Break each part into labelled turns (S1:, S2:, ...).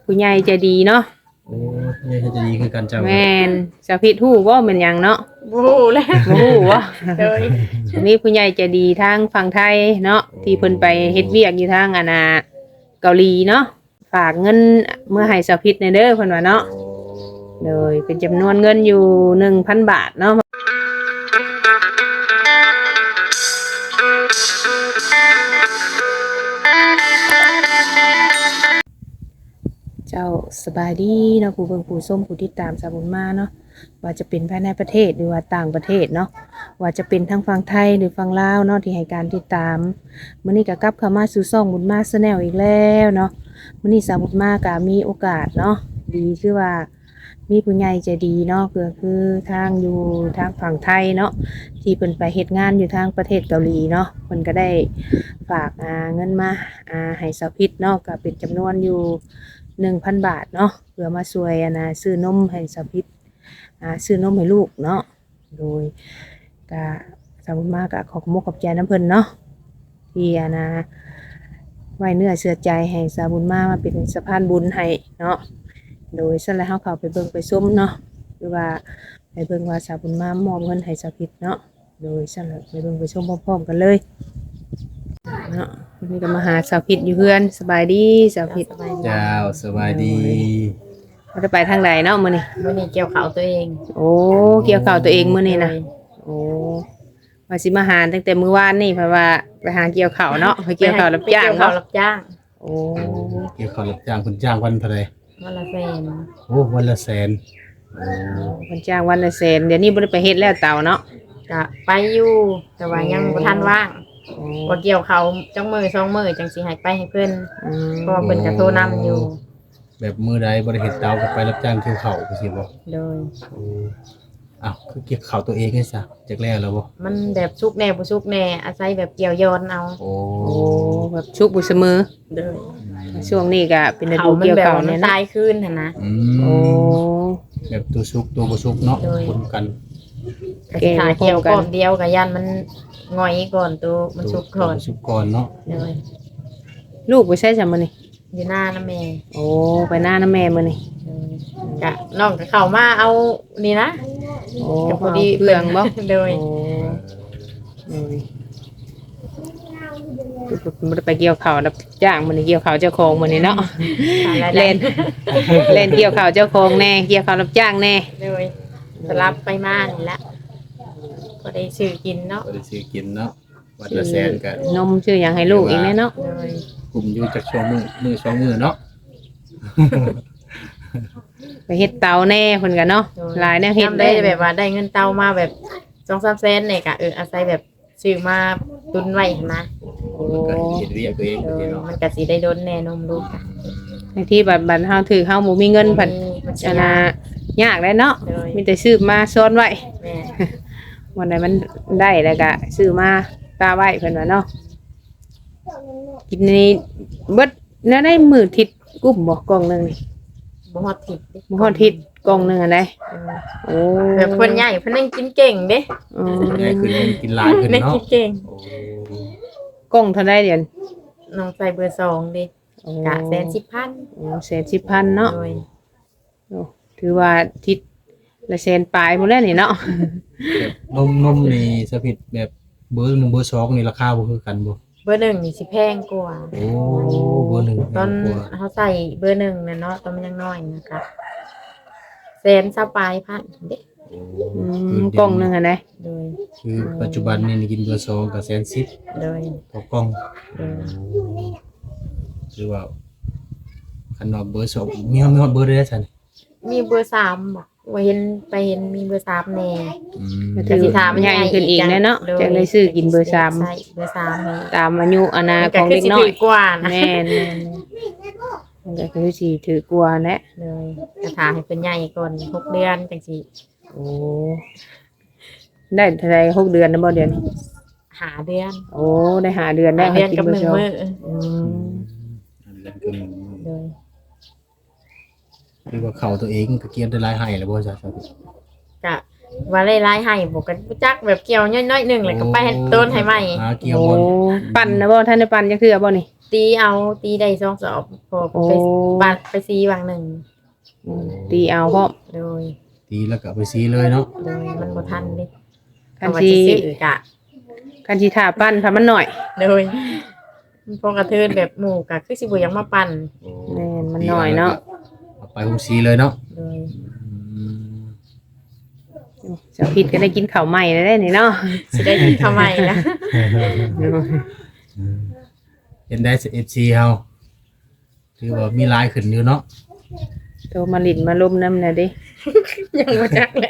S1: ผู้ใหญ่ใจดีเนาะ
S2: โอ้ผู้ใหญ่ใจดีคือกันเจ้า
S1: แม่นสาวพิษฮู้บ่แม่นหยังเนาะ
S3: บ่ฮู้แล้ว
S1: บ่ฮู้บ่
S3: โดย
S1: มีผู้ใหญ่ใจดีทางฝั่งไทยเนาะที่เพิ่นไปเฮ็ดเวียกอยู่ทางเกาหลีเนาะฝากเงินเมื่อให้สาวพิษในเด้อเพิ่นว่าเนาะโดยเป็นจำนวนเงินอยู่ 1,000 บาทเนาะเจ้าสบายดีเนาะผู้เบิ่งผู้ชมผู้ติดตามสาวบุญมาเนาะว่าจะเป็นภายในประเทศหรือว่าต่างประเทศเนาะว่าจะเป็นทั้งฝั่งไทยหรือฝั่งลาวเนาะที่ให้การติดตามมื้อนี้ก็กลับเข้ามาสู่ช่องบุญมาแชนแนลอีกแล้วเนาะมื้อนี้สาวบุญมาก็มีโอกาสเนาะดีคือว่ามีผู้ใหญ่ใจดีเนาะก็คือทางอยู่ทางฝั่งไทยเนาะที่เพิ่นไปเฮ็ดงานอยู่ทางประเทศเกาหลีเนาะเพิ่นก็ได้ฝากเงินมาให้สาวพิษเนาะก็เป็นจำนวนอยู่ 1,000 บาทเนาะเพื่อมาช่วยซื้อนมให้สาวพิษซื้อนมให้ลูกเนาะโดยก็สาวบุญมาก็ขอขอบใจน้ำเพิ่นเนาะที่ไว้เนื้อเชื่อใจให้สาวบุญมาเป็นสะพานบุญให้เนาะโดยสั่นแล้วเฮาเข้าไปเบิ่งไปชมเนาะหรือว่าไปเบิ่งว่าสาวบุญมามอบเงินให้สาวพิษเนาะโดยสั่นแล้วไปเบิ่งไปชมพร้อมๆกันเลยเนาะวันนี้ก็มาหาสาวพิษอยู่เพื่อนสบายดีสาวพิษ
S2: เจ้าสบายดี
S1: เราจะไปทางใดเนาะมื้อนี้
S3: มื้อนี้เกี่ยวข้าวตัวเอง
S1: โอ้เกี่ยวข้าวตัวเองมื้อนี้นะโอ้ว่าสิมาหาตั้งแต่มื้อวานนี่เพราะว่าไปหาเกี่ยวข้าวเนาะไปเกี่ยวข้าวรับจ้าง
S3: เกี่ยวข้าว
S1: เนาะ
S3: รับจ้าง
S1: โอ้
S2: เกี่ยวข้าวรับจ้างคุณจ้างวันเท่าไหร่
S3: วันละแสน
S2: โอ้วันละแสนโอ้
S1: เพิ่นจ้างวันละแสนเดี๋ยวนี้บ่ได้ไปเฮ็ดแล้วเต่าเนาะ
S3: ก็ไปอยู่แต่ว่ายังบ่ทันว่าง
S1: โอ้
S3: บ่เกี่ยวข้าวจังมื้อ2มื้อจังสิให้ไปให้เพิ่น
S1: อืม
S3: เพราะว่าเพิ่นก็โทรนำอยู่
S2: แบบมือใดบ่ได้เฮ็ดเตาก็ไปรับจ้างเกี่ยวข้าวจังซี่บ่
S3: โดย
S2: โอ้อ้าวคือเกี่ยวข้าวตัวเองไงซะจักแล้วบ่
S3: มันแบบสุกแน่บ่สุกแน่อาศัยแบบเกี่ยวย้อนเอา
S2: โอ้
S1: โอ้แบบชุกบุเสมอ
S3: โดย
S1: ช่วงนี้ก็เป็นฤ
S3: เขา
S1: ดู
S3: มัน
S1: เกี่ยว
S3: แบบ
S1: ข้าว
S3: ว่ามั
S1: เนี่ย
S3: น
S1: เนาะ
S3: ตายคืนหั่นนะ
S2: อื
S1: โอ้
S2: มแบบตัวสุกตัวบ่สุกเนาะ
S3: โดย
S2: คนกัน
S3: ก็สิหาเกี่ยวก่อนเดียวก็ยันมันง่อยก่อนตัวมันสุกก่อน
S2: ตัวสุกก่อนเนาะ
S3: โดย
S1: ลูกไปใช้ซะมื้อนี้
S3: อยู่หน้านะแม่
S1: โอ้ไปหน้าน้าแม่มื้อนี้
S3: กะน้องก็เข้ามาเอานี่นะ
S1: โอ้
S3: ก็พอดี
S1: เครื่องบ่
S3: โดย
S1: โอ้โอ้ยบ่ได้ไปเกี่ยวข้าวรับจ้างมื้อนี้เกี่ยวข้าวเจ้าของมื้อนี้เนาะ เล่นเล่นเกี่ยวข้าวเจ้าของแน่เกี่ยวข้าวรับจ้างแน่
S3: โดยสลับไปมานี่ละก็ได้ซื้อกินเนาะ
S2: ก็ได้ซื้อกินเนาะวันละแสนก็
S1: นมชื่อหยังให้ลูกอีกแน่เนาะ
S3: โดย
S2: กลุ่มอยู่จักช่วงมือสองมือเนาะ
S1: ไปเฮ็ดเตาแน่เพิ่นก็เนาะหลายแนวเฮ็ด
S3: ทำได้แบบว่าได้เงินเตามาแบบ2-3แสนเนี่ยก็อาศัยแบบซื้อมาตุนไว้หั่นนะ
S1: โอ้
S2: ก็เฮ็ดเรียกตัวเอง
S3: โด
S2: ไป
S3: ย
S2: เนาะ
S3: มันก็สิได้โดนแน่นมลูกอะ
S1: บางทีบัดเฮาถือเฮาบ่มีเงินเพิ่น
S3: มัน
S1: ชนะยากได้เนาะ
S3: โดย
S1: มีแต่ซื้อมาซ่อนไว้
S3: แม่
S1: วันใดมันได้แล้วก็ซื้อมาตาไว้เพิ่นว่าเนาะกินนี่เบิดแล้วได้มื้อทิศกุ้มบ่กล่องหนึงนี่
S3: บ่ฮอดทิศเด้
S1: บ่ฮอดทิศกล่องหนึงอันใด
S3: เออ
S1: โอ้
S3: แบบเพิ่นใหญ่เพิ่นยังกินเก่งเด้
S1: อืม
S2: ง่ายขึ้นกินหลายขึ้น
S3: ได้
S2: เนาะ
S3: กินเก่ง
S2: โอ้
S1: กล่องเท่าใดเดี๋ยว
S3: น้องใส่เบอร์2เด้
S1: โอ้
S3: กะ110,000
S1: โอ้110,000เนาะ
S3: โดย
S1: โอ้ถือว่าทิศละแสนปลายหมดแล้วนี่เนาะ
S2: แบบนมนี่สะพิดแบบเบอร์1เบอร์2นี่ราคาบ่คือกันบ่
S3: เบอร์1นี่สิแพงกว่า
S2: โอ้เบอร์1
S3: ตอน
S2: กว่า
S3: เขาใส่เบอร์1น่ะเนาะตอนมันยังน้อยนะคะแสนสปลายพันเด้
S1: อืมกล่องหนึงอันใด
S3: โดย
S2: คือปัจจุบันนี่กินเบอร์2ก็110,000
S3: โดย
S2: ต่อกล่อง
S3: โดย
S2: คือว่าคันว่าเบอร์2มีฮอดเบอร์ได้ซั่น
S3: มีเบอร์3บ่ว่าเห็นไปเห็นมีเบอร์3แน่
S2: อืม
S1: ก็ถือใหญ่ขึ้นอีกแน่เนาะจังได้ซื้อกินเบอร์สาม
S3: ใช่เบอร์3ให้
S1: ตามอายุอานา
S3: มัน
S1: ข
S3: ก็
S1: อง
S3: คือ
S1: เด็ก
S3: สิ
S1: น้อ
S3: ถู
S1: ย
S3: กกว่านะ
S1: แม่นมันก็คือสิถือกลัวแหละ
S3: เลยกระถาให้เป็นใหญ่ก่อน6เดือนจังสิ
S1: โอ้ได้เท่าไร6 เดือนนะบ่เดือนนี้
S3: หาเดือน
S1: โอ้ได้หาเดือนได้
S3: หาเดือนกับ
S1: กิ
S3: 1
S1: เบอร์
S3: มื้อ
S1: อืม
S2: อันนั้นคือ
S3: โดย
S2: คือว่าเขาตัวเองก็เกียนได้หลายให้แล้วบ่ซะครับ
S3: กะว่าได้รายให้บอกกันรู้จักแบบเกี่ยวน้อยๆหนึงแล้วก็ไปให้ต้นให้ใหม่
S2: หาเกี่ยว
S1: โอ้
S2: บ่
S1: ปั่นนะบ่ท่านได้ปั่นจังคือบ่นี่
S3: ตีได้2 สอบพอ
S1: โอ้
S3: ไปบาดไปซีบางหนึ่ง
S1: ตีเอาพร้อม
S3: โดย
S2: ตีแล้วก็เอาไปซีเลยเนาะ
S3: โดยมันบ่ทันเด้
S1: คัน
S3: ว่า
S1: สิ
S3: สิซื้อกะ
S1: คันสิท่าปั้นถ้ามันหน่อย
S3: โดยพอกระเทินแบบหมู่กะคือสิบ่อยังมาปั่น
S2: โอ้
S1: แม่นมันน้อยเนาะ
S2: เอาไปหุ้มซีเลยเนาะ
S3: โดย
S2: อืม
S1: สาวพิษก็ได้กินข้าวใหม่แล้วได้นี่เนาะ
S3: สิได้กินข้าวใหม่นะ
S2: เห็นได้เอฟซีเฮาถือว่ามีหลายขึ้นอยู่เนาะ
S1: โตมาลิ้นมาลุมน้ำน่ะเดิ
S3: ยังบ่จักเลย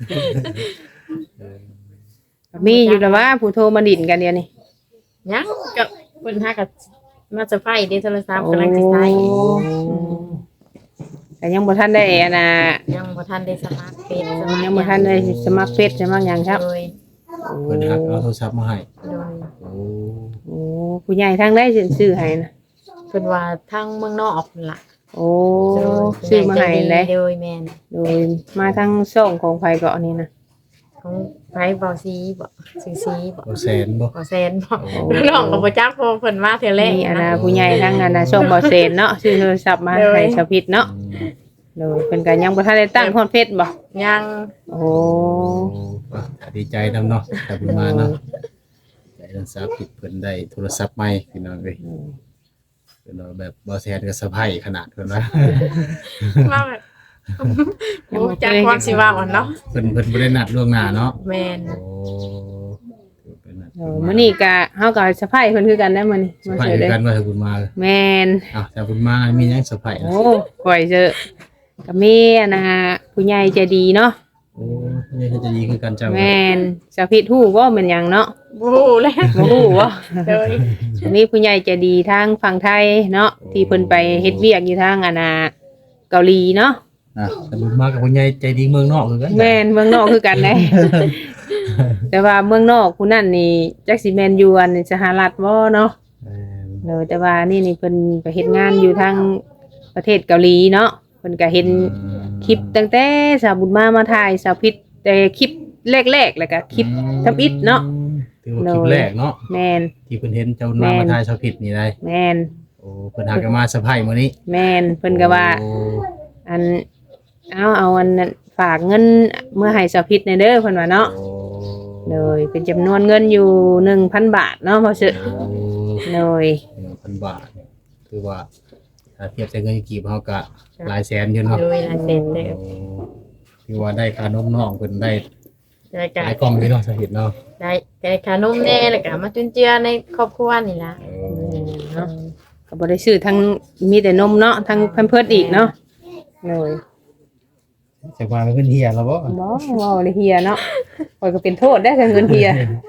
S1: มีอยู่แล้วว่าผู้โทรมาลิ้นกันเดียวนี่
S3: ยังกับเพิ่นหากับมาจะไฟเด้โทรศัพท์กำลังสิใช้
S1: โอ้อืมแต่ยังบ่ทันได้อันน่ะ
S3: ยังบ่ทันได้สมัครเฟซ
S1: ยังบ่ทันได้สมัครเฟซสมัครหยังครับ
S3: โดย
S2: เพิ่นหักเอาโทรศัพท์มาให้
S3: โดย
S2: โอ้
S1: โอ้ผู้ใหญ่ทางได้ซื้อให้นะ
S3: เพิ่นว่าทางเมืองนอกพุ่นล่ะ
S1: โอ้ซื้อมาให้เลย
S3: โดยแม่น
S1: โดยมาทางช่องของไผเกาะนี่นะ
S3: ของไผเบาซีบ่ซื้อซีบ่
S2: เอาแสนบ่
S3: บ่แซนบ่น้องก็บ่จักเพราะเพิ่นมาเทื่อแรก
S1: มีอัน
S3: นะ
S1: น่ะผู้ใหญ่ทางอันน่ะช่องบ่เซนเนาะซื้อโทรศัพท์มาให้ชาวพิษเนาะ
S2: อืม
S1: โดยเพิ่นก็ยังบ่ทันได้ตั้งฮอดเฟซบ่
S3: ยัง
S1: โอ้
S2: อ่ะดีใจนำเนาะแต่เพิ่นมาเนาะใจนันสาผิดเพิ่นได้โทรศัพท์ใหม่พี่น้องเอ้ยเพิ่นว่าแบบบ่แสนก็สะไพรขนาดเพิ่นว่า
S3: ว่าแบบโอ้จักความสิว่าอ่อนเนาะ
S2: เพิ่นบ่ได้นัดล่วงหน้าเนาะ
S3: แม่น
S2: โอ้ถือเป็นนัด
S1: โอ้มื้อนี้ก็เฮาก็สะพายเพิ่นคือกันได้มื้อนี้
S2: สะ
S1: มา
S2: ไพร
S1: เจอ
S2: คือ
S1: เด้
S2: กันว่าถ้าคุณมา
S1: แม่น
S2: อ้าวแต่คุณมามีหยังสะไพร
S1: โอ้ข่อยเจอก็มีอันน่ะผู้ใหญ่ใจดีเนาะ
S2: โอ้ยจะดีคือกันเจ้า
S1: แม่นชาวพิษฮู้บ่แม่นหยังเนาะ
S3: บ่รู้แล้ว
S1: บ่ฮู้บ่
S3: โดย
S1: มีผู้ใหญ่ใจดีทางฝั่งไทยเนาะที่เพิ่นไปเฮ็ดเวียกอยู่ทางอันน่ะเกาหลีเนาะ
S2: อ่ะแต่คุณมากับคุณยายใจดีเมืองนอกคือกัน
S1: แม่นเมืองนอกคือกันเด้ แต่ว่าเมืองนอกผู้นั้นนี่จักสิแม่นอยู่อันสหรัฐบ่เนาะ
S2: แม่น
S1: เออแต่ว่านี่เพิ่นไปเฮ็ดงานอยู่ทางประเทศเกาหลีเนาะเพิ่นก็เห็นคลิปตั้งแต่สาวบุญมาถ่ายสาวพิษแต่คลิปแรกๆแล้วก็คลิปทำอิฐเนาะ
S2: ถือว่าคลิปแรกเนาะ
S1: แม่น
S2: ที่เพิ่นเห็นเจ้าหน้ามาทายชาวผิดนี่ได้
S1: แม่น
S2: โอ้เพิ่นหากันมาสะไพรมื้อนี้
S1: แม่นเพิ่นก็ว่า
S2: โอ้
S1: อันเอาอันนั้นฝากเงินเมื่อให้สาวพิษในเด้อเพิ่นว่าเนาะ
S2: โอ้
S1: เลยเป็นจำนวนเงินอยู่ 1,000 บาทเนาะพอสึ
S2: โอ้
S1: เลย
S2: 1,000 บาทคือว่าถ้าเทียบใช้เงินกีบเฮาก็หลายแสนอยู่เนาะ
S3: โดยลายเซ็นเด้อ
S2: โอ้คือว่าได้ค่านมน้องเพิ่นได้
S3: แล้ว
S2: ห
S3: ก็
S2: ลายกล่องอยู่เนาะสาเหตุเนาะ
S3: ได้ขนมแน่แล้วก็มาจุนเจือในครอบครัวนี่ล่ะ
S2: โอ้
S1: เนาะก็บ่ได้ซื้อทั้งมีแต่นมเนาะทั้งแพมเพิร์สอีกเนาะเลย
S2: จักว่ามันเพิ่นเฮียแล้วบ่
S1: บ่เว้าเลยเฮียเนาะข่อยก็เป็นโทษได้อถ้าเงินเฮีย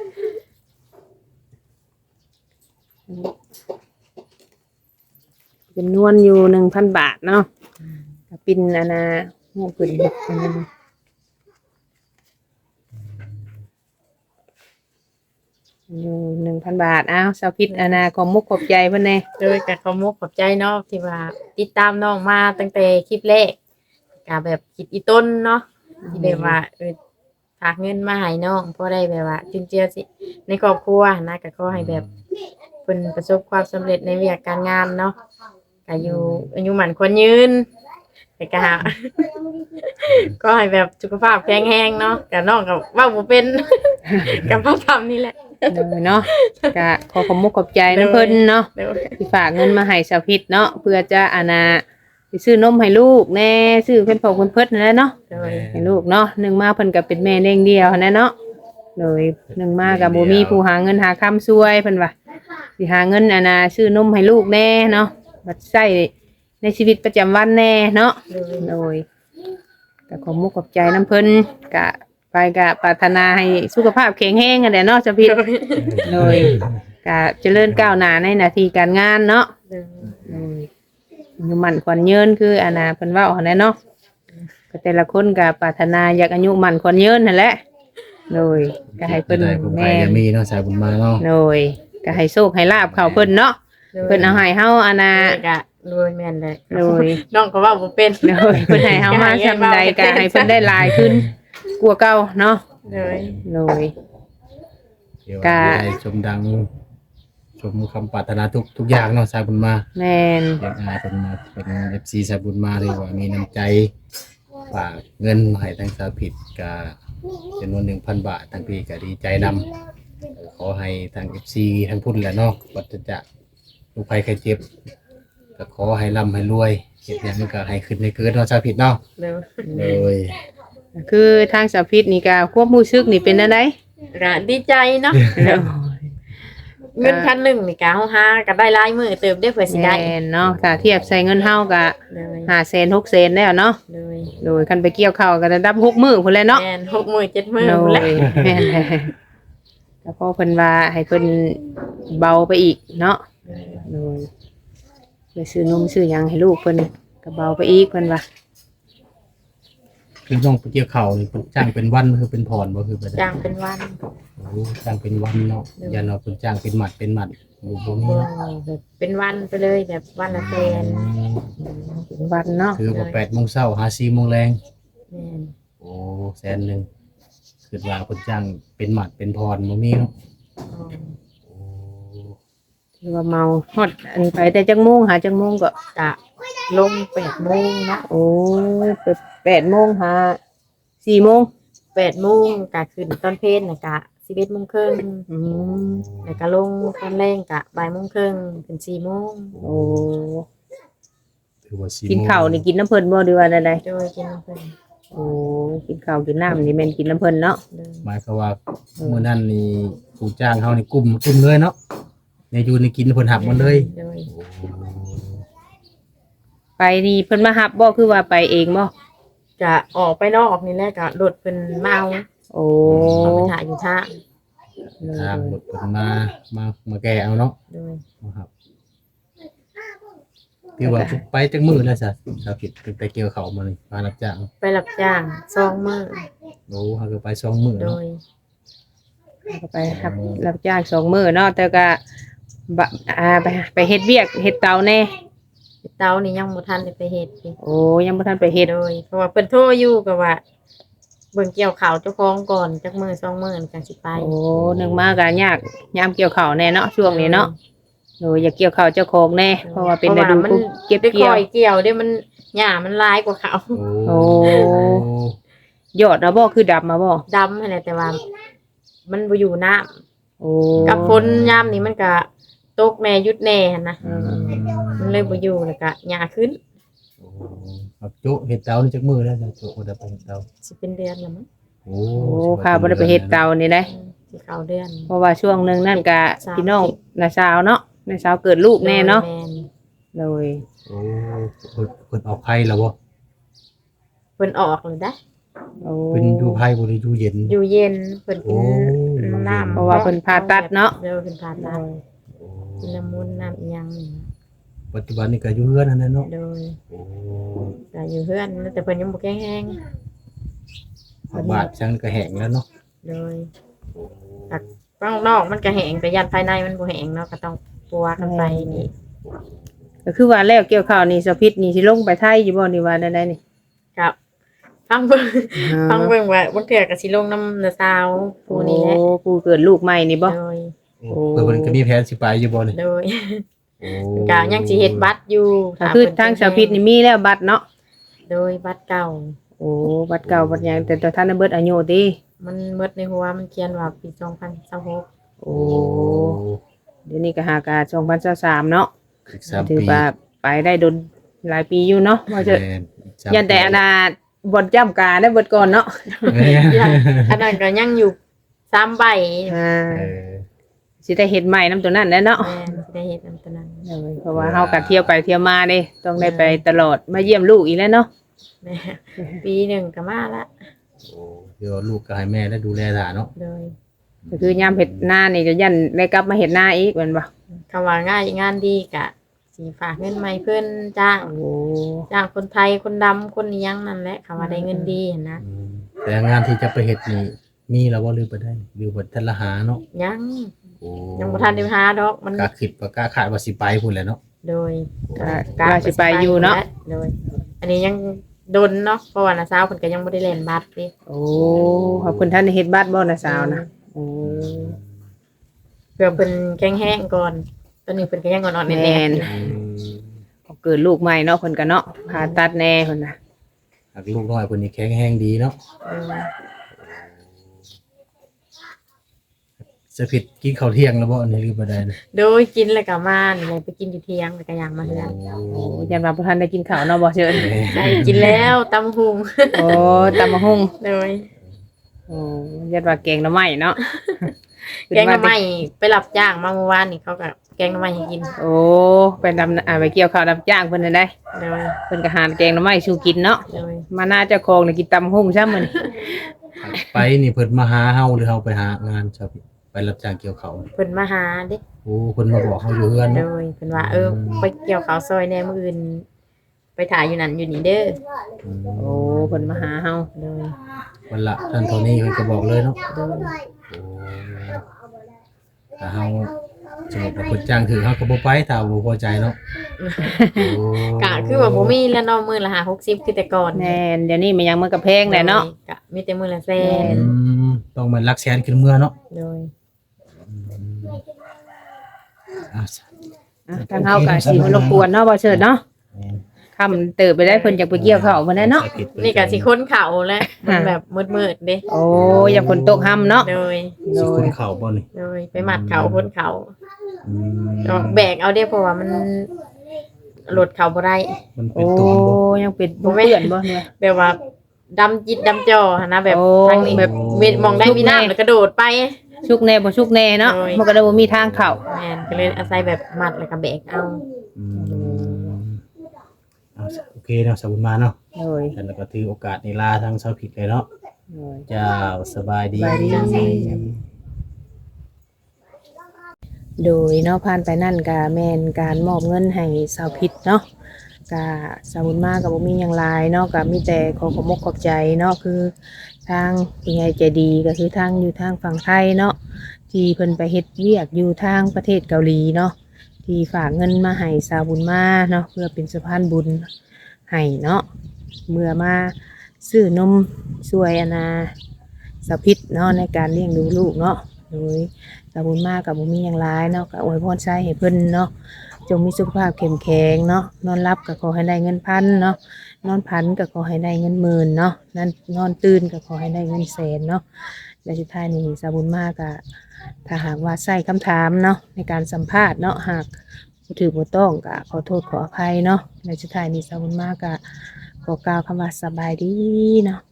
S1: จำนวนอยู่ 1,000 บาทเนาะก็เป็นอันน่ะโอ้เพิ่นเฮ็ดอันนั้นอยู่ 1,000 บาทอ้าวสาวพิษอันน่ะขอมุกขอบใจเพิ่นแน่
S3: โดยก็ขอมกขอบใจเนาะที่ว่าติดตามน้องมาตั้งแต่คลิปแรกก็แบบคิดอีต้นเนาะที่แบบว่าฝากเงินมาให้น้องพอได้แบบว่าจุนเจือสิในครอบครัวนะก็ขอให้แบบเพิ่นประสบความสำเร็จในเวียกการงานเนาะก็อยู่อายุหมันควรยืนแต่ก็ ก็ให้แบบสุขภาพแข็งแรงเนาะก็น้องก็เว้าบ่เป็น กับพ่อทำนี่แหละ
S1: เลยเนาะก็ขอขอบมุกขอบใจนํเพิ่นเนาะ
S3: เดี๋ยว
S1: ที่ฝากเงินมาให้สาวพิษเนาะเพื่อจะอานาไปซื้อนมให้ลูกแน่ซื้อเพิ่นพอเพิ่นเพิ่นนั่นแหละเนาะ
S3: เดี๋ยว
S1: ให้ลูกเนาะหนึ่งมาเพิ่นก็เป็นแม่เลี้ยงเดียวนั่นเนาะโดยหนึ่งมาก็บ่มีผู้หาเงินหาค้ำช่วยเพิ่นว่าสิหาเงินอานาซื้อนมให้ลูกแน่เนาะบัดใช้ในชีวิตประจำวันแน่เนาะ
S3: เดี๋ยว
S1: โดยก็ขอมุกขอบใจน้ำเพิ่นก็ไปก็ปรารถนาให้สุขภาพแข็งแรงกันแหละเนาะสาวพิษโดยก็เจริญก้าวหน้าในหน้าที่การงานเนาะ
S3: เดี๋ยว
S1: อายุมันขวัญยืนคืออานาเพิ่นเว้าหั่นแหละเนาะก็แต่ละคนก็ปรารถนาอยากอายุมันขวัญยืนนั่นแหละโดยก็ให้เพิ่น
S2: ได้ผมไป
S1: แม่
S2: จะมีเนาะสายบุญมาเนาะ
S1: โดยก็ให้โชคให้ลาบเข้าเพิ่นเนาะเพิ่นเอาให้เฮาอานา
S3: กะรวยแม่นเลย
S1: โดย
S3: น้องก็ว่าบ่เป็น
S1: โดยเพิ่นให้เฮามาซำใดก็ให้เพิ่นได้หลายขึ้นกว่าเก่าเนาะ
S3: เลย
S1: โดย
S2: เดี๋ยว
S1: กะ
S2: ได้ชมดังชมคำปรารถนาทุกอย่างเนาะสายบุญมา
S1: แม่น
S2: เรียกอายเป็นมาเป็น FC สายบุญมาเลยว่ามีน้ำใจฝากเงินมาให้ทางสาวผิดก็จำนวน 1,000 บาททางพี่ก็ดีใจนำขอให้ทาง FC ทางพุ่นแหละเนาะวัฏจักรลูกภัยไข้เจ็บก็ขอให้ร่ำให้รวยเฮ็ดหยังก็ให้ขึ้นให้เกิดเนาะสาวผิดเนาะ
S3: เด้อ
S2: โดย
S1: คือทางสาวพิษนี่ก็ควบรู้สึกนี่เป็นจังได๋
S3: ก็ดีใจเนาะเงินพันหนึ่งนี่ก็เฮาหาก็ได้หลายมื้อเติบได้เพื่อสิได้
S1: แม่นเนาะถ้าเทียบใส่เงินเฮาก็
S3: เลย
S1: 500,000 600,000แล้วเนาะ
S3: เลย
S1: โดยคันไปเกี่ยวข้าวก็ระดับ6มื้อพุ่นแหละเนาะ
S3: แม่น6มื้อ7มื้อ
S1: โด
S3: พุ่นแหละ
S1: ยแม่นแหละก็พอเพิ่นว่าให้เพิ่นเบาไปอีกเนาะโดยไปซื้อนมซื้อหยังให้ลูกเพิ่นก็เบาไปอีกเพิ่นว่า
S2: คือน้องไปเกี่ยวข้าวนี่เพิ่นจ้างเป็นวันคือเป็นพรบ่คือไปได้
S3: จ้างเป็นวัน
S2: โอ้จ้างเป็นวันเนาะอย่าเนาะเพิ่นจ้างเป็นหมัดบ่มี
S3: บ่
S2: เนาะ
S3: แบบเป็นวันไปเลยแบบวันละแสน
S1: เป็นวันเนาะ
S2: คือว่า8 โมงเช้าหา4 โมงแรง
S3: แม่น
S2: โอ้แสนหนึงคือว่าเพิ่นจ้างเป็นหมัดเป็นพรบ่มีเนาะ
S3: อ๋อ
S2: โอ้
S1: ถือว่าเมาฮอดอันไปแต่จักโมงหาจักโมงก็
S3: กะลง8โมงเนาะ
S1: โอ้ไป8โมงหา4โมง
S3: 8โมงก็ขึ้นตอนเพลนน่ะกะ11โมงครึ่ง
S1: อืม
S3: แล้วก็ลงตอนแรงกะบ่ายโมงครึ่งถึง4โมง
S1: โอ้
S2: ถือว่า4
S1: กินข้าวนี่กินน้ำเพิ่นบ่หรือว่าใด
S3: โดยกินเพิ่น
S1: ๆโอ้กินข้าวกินน้ำนี่แม่นกินน้ำเพิ่นเนาะ
S3: เดิน
S2: หมายความว่ามื้อนั้นนี่ผู้จ้างเฮานี่กลุ่มเลยเนาะในอยู่นี่กินเพิ่นหักหมดเลย
S3: โดย
S2: โอ้
S1: ไปนี่เพิ่นมารับบ่คือว่าไปเองบ่
S3: กะออกไปนอกนี่แหละกะรถเพิ่นมาเอา
S1: โอ้
S3: เอาไปถ่ายอยู่ท่า
S2: ทางรถเพิ่นมาแก้เอาเนาะ
S3: โดย
S2: ครับที่ว่าไปจักมื้อแล้วซะสาวผิดไปเกี่ยวข้าวมานี่มารับจ้าง
S3: ไปรับจ้าง2มื้อ
S2: โอ้เฮาก็ไป2มื้อ
S3: โด
S2: เนาะ
S3: ย
S1: ก็ไปรับจ้าง2มื้อเนาะแต่ก็บะไปเฮ็ดเวียกเฮ็ดเตาแน่
S3: เตานี่ยังบ่ทันได้ไปเฮ็ดอีก
S1: โอ้ยังบ่ทันไปเฮ็ด
S3: โดยเพราะว่าเพิ่นโทรอยู่ก็ว่าเบิ่งเกี่ยวข้าวเจ้าของก่อนจักมื้อ2มื้อจังสิไป
S1: โอ้นึงมาก็ยากยามเกี่ยวข้าวแน่เนาะช่วงนี้เนาะโดยอยากเกี่ยวข้าวเจ้าของแน่เพราะว่าเป็นฤดู
S3: มัน
S1: เก็บ
S3: ได้
S1: เกี่
S3: ค
S1: ยว
S3: อยเกี่ยวได้มันหญ้ามันหลายกว่าเขา
S2: โอ้
S1: ยอดนะบ่คือดำมาบ่
S3: ดำหั่นแหละแต่ว่า มันบ่อยู่น้ำ
S1: โอ้
S3: กับฝนยามนี้มันก็ตกแน่หยุดแน่หั่นนะ
S1: อืม
S3: มันเลยบ่อยู่แล้วก็หญ้าขึ้น
S2: ครับโจ๊เฮ็ดเตานี่จักมื้อแล้วจ้ะโจ๊บ่ได้ไปเฮ็ดเตา
S3: สิเป็นเดือนแล้วมั้ง
S2: โอ้
S1: โอ้ข้าบ่ได้ไปเฮ็ดเตานี่ได้
S3: สิเข้าเดือน
S1: เพราะว่าช่วงหนึงนั่นก็พี่น้องน้าสาวเนาะน้าสาวเกิดลูกแน่เนาะ
S3: แม่น
S1: โดย
S2: โอ้เพิ่นออกไผแล้วบ่
S3: เพิ่นออกเลยได้
S1: โอ้
S2: เป็นอยู่ไผบ่ได้อยู่เย็น
S3: อยู่เย็นเพิ่นกิน
S2: โอ้
S3: น้ำ
S1: เพราะว่าเพิ่นผ่าตัดเนาะ
S3: เดี๋ยวเพิ่นผ่าตัดกินน้ำมูลน้ำอีหยังนี่
S2: ปัจจุบันนี่ก็อยู่เฮือนนั่นแหละเนาะ
S3: โดย
S2: โอ้
S3: ก็อยู่เฮือนแต่เพิ่นยังบ่แข็งแรง
S2: บาดจังก็แห้งแล้วเนาะ
S3: โดยข้างนอกมันก็แห้งแต่ยันภายในมันบ่แห้งเนาะก็ต้องปัวกันไปนี่
S1: ก็คือว่าแล้วเกี่ยวข้าวนี่สะพิษนี่สิลงไปไทยอยู่บ่นี่ว่าได้นี่
S3: ครับฟังเบิ่งฟังเบิ่งว่าบางเทื่อก็สิลงน้ำนาซาวผู้นี้แหละ
S1: โอ้ผู้เกิดลูกใหม่นี่บ่
S3: โดย
S1: โอ้
S2: เพิ่นก็มีแผนสิไปอยู่บ่นี่
S3: โดย
S2: โอ้
S3: ก็ยังสิเฮ็ดบัตรอยู่
S1: ก็คือทางสะพิษนี่มีแล้วบัตรเนาะ
S3: โดยบัตรเก่า
S1: โอ้บัตรเก่าบัตรหยังแต่ตัวท่านได้เบิดอายุติ
S3: มันหมดในหัวมันเขียนว่าปี2026
S1: โอ้เดี๋ยวนี้ก็หากา2023เนาะ
S2: อีก3
S1: ถือ
S2: ปี
S1: ว่าไปได้โดนหลายปีอยู่เนาะว่าจะ
S2: แม่นอีก3
S1: ยันแต่อนาบ่จำการได้เบิดก่อนเนาะ
S2: แม่น
S3: ยังอันนั้นก็ยังอยู่3ใบ
S1: อ่า
S2: เออ
S1: สิได้เฮ็ดใหม่นํตัวนั้นแหละเนาะ
S3: แม่นสิได้เฮ็ดอันตัวนั้น
S1: เพราะว่าเฮาก็เที่ยวไปเที่ยวมาเด้ต้องได้ไปตลอดมาเยี่ยมลูกอีกแล้วเนาะ
S3: แม่ปีหนึ่งก็มาละ
S2: โอ้เดี๋ยวลูกก็ให้แม่ได้ดูแลหลานเนาะ
S3: โดย
S1: ก็คือยามเฮ็ดนานี่ก็ยันได้กลับมาเฮ็ดนาอีกแม่นบ่
S3: คำว่าง่ายงานดีกะสีฝากเงินใหม่เพื่อนจ้าง
S1: โอ้
S3: จ้างคนไทยคนดำคนนี้ยังนั่นแหละคำว่าได้เงินดีเห็นนะ
S2: อืมแต่งานที่จะไปเฮ็ดนี่มีแล้วบ่หรือบ่ได้หรือบ่ทันละหาเนาะ
S3: ยัง
S2: โอ้
S3: ยังบ่ทันได้หาดอกมัน
S2: กล้าคิดว่ากล้าคาดว่าสิไปพุ่นแหละเนาะ
S3: โดย
S1: ก็ว่าสิไปอยู่เนาะ
S3: โดย อันนี้ยังดนเนาะเพราะว่าน้าสาวเพิ่นก็ยังบ่ได้เล่นบัตรดิ
S1: โอ้ขอบคุณท่านได้เฮ็ดบัตรบ่นะสาวนะโอ้
S3: ไปเพื่อเพิ่นแข็งแรงก่อนตอนนี้เพิ่นก็ยังอ่อนๆแน่
S1: แม่น
S3: ๆอยู่
S1: เกิดลูกใหม่เนาะเพิ่นก็เนาะผ่าตัดแน่เพิ่นน่ะ
S2: หากลูกน้อยเพิ่นนี่แข็งแรงดีเนาะ
S3: เออ
S2: สะผิดกินข้าวเที่ยงแล้วบ่อันนี้หรือบ่ได้นะ
S3: โดยกินแล้วก็มานี่เลยไปกินอยู่เที่ยงแล้วก็ย่างมาเฮือน
S1: โอ้ยันว่าบ่ทันได้กินข้าวเนาะบ่เชิญ
S3: ได้กินแล้วตำหุง
S1: โอ้ตำมะฮุ่ง
S3: โดย
S1: โอ้ยันว่าแกงหน่อไม้เนาะ
S3: แกงหน่อไม้ไปรับจ้างมาเมื่อวานนี่เขาก็แกงหน่อไม้ให้กิน
S1: โอ้ไปดำไปเกี่ยวข้าวรับจ้างเพิ่นนั่นได้
S3: โดย
S1: เพิ่นก็หาแกงหน่อไม้สู่กินเนาะ
S3: โดย
S1: มาหน้าเจ้าของนี่กินตำมะฮุ่งซะมื้อนี้
S2: ไปนี่เพิ่นมาหาเฮาหรือเฮาไปหางานสะผิดไปรับจ้างเกี่ยวข้าว
S3: เพิ่นมาหาเด้
S2: โอ้เพิ่นมาบอกเฮาอยู่เฮือน
S3: โด
S2: เนาะ
S3: ยเพิ่นว่าไปเกี่ยวข้าวซอยแหน่มื้ออื่น ไปถ่ายอยู่นั่นอยู่นี่เด้อ
S1: โอ้เพิ่นมาหาเฮา
S3: โดย
S2: วันละท่านเท่านี้เพิ่นก็บอกเลยเนาะ
S3: โดย
S2: ถ้าเฮาสมมุติว่าเพิ่นจ้างถือเฮาก็บ่ไปถ้าบ่พอใจเนาะโอ้
S3: กะคือว่าบ่มีแล้วเนาะมื้อละ60คือแต่ก่อน
S1: แม่นเดี๋ยวนี้มันยังมันก็แพงแหละเนาะ
S3: กะมีแต่มื้อละแสน
S2: ต้องมันลักแสนขึ้นเมื่อเนาะ
S3: โดย
S2: อ่ะ
S1: อ่ะทางเฮาก็สิรบกวนเนาะบ่เชิญเนาะค่ำเติบไปได้เพิ่นอยากไปเกี่ยวข้าวเพิ่นได้เนาะ
S3: นี่ก็สิค้นเขาแล้วมันแบบมืดๆเด้
S1: โอ้อยากฝนตกค่ำเนาะ
S3: โดย
S2: สิคุณเข้าบ่นี่
S3: โดยไปหมัดเขาค้นเขา
S2: อืม
S3: ก็แบกเอาเด้เพราะว่ามันหลดเขาบ่ได้
S2: มันเป็
S1: โอ้
S2: นตูนบ่
S1: ยังเป็นบ่เปื้อนบ่เนี่ย
S3: แบบว่าดำจิตดำจอหั้นนะแบบ
S1: โอ้
S3: ทางนี้แบบมองได้มีน้ำแล้วกระโดดไป
S1: ชุกแน่บ่ชุกแน่เนาะ
S3: โอ้ย
S1: มันก็ได้บ่มีทางเข้า
S3: แม่นก็เลยอาศัยแบบมัดแล้วก็แบกเอา
S2: อืมเอาโอเคเนาะสบุญมาเนาะ
S1: โอ้ย
S2: แล้วก็ถือโอกาสนี้ลาทางชาวผิดเลยเนาะ
S1: โอ้ย
S2: เจ้าสบายดี
S1: สบายดี โดยเนาะผ่านไปนั่นก็แม่นการมอบเงินให้สาวพิษเนาะก็สาวบุญมากก็บ่มีหยังหลายเนาะก็มีแต่ขอขอบมกขอบใจเนาะคือทางผู้ใหญ่ใจดีก็คือทางอยู่ทางฝั่งไทยเนาะที่เพิ่นไปเฮ็ดเวียกอยู่ทางประเทศเกาหลีเนาะที่ฝากเงินมาให้สาวบุญมาเนาะเพื่อเป็นสะพานบุญให้เนาะเมื่อมาซื้อนมช่วยอนาสาวพิษเนาะในการเลี้ยงดูลูกเนาะโดย สาบุญมากกับบุมีอย่างร้ายเนาะก็อวยพรใช้ให้เพิ่นเนาะจงมีสุขภาพเข้มแข็งเนาะนอนรับก็ขอให้ได้เงินพันเนาะนอนพันก็ขอให้ได้เงินหมื่นเนาะนั่นนอนตื่นก็ขอให้ได้เงินแสนเนาะและสุดท้ายนี้สาบุญมากก็ถ้าหากว่าใส่คำถามเนาะในการสัมภาษณ์เนาะหากบ่ถือบ่ต้องก็ขอโทษขออภัยเนาะและสุดท้ายนี้สาบุญมากก็ขอกล่าวคำว่าสบายดีเนาะ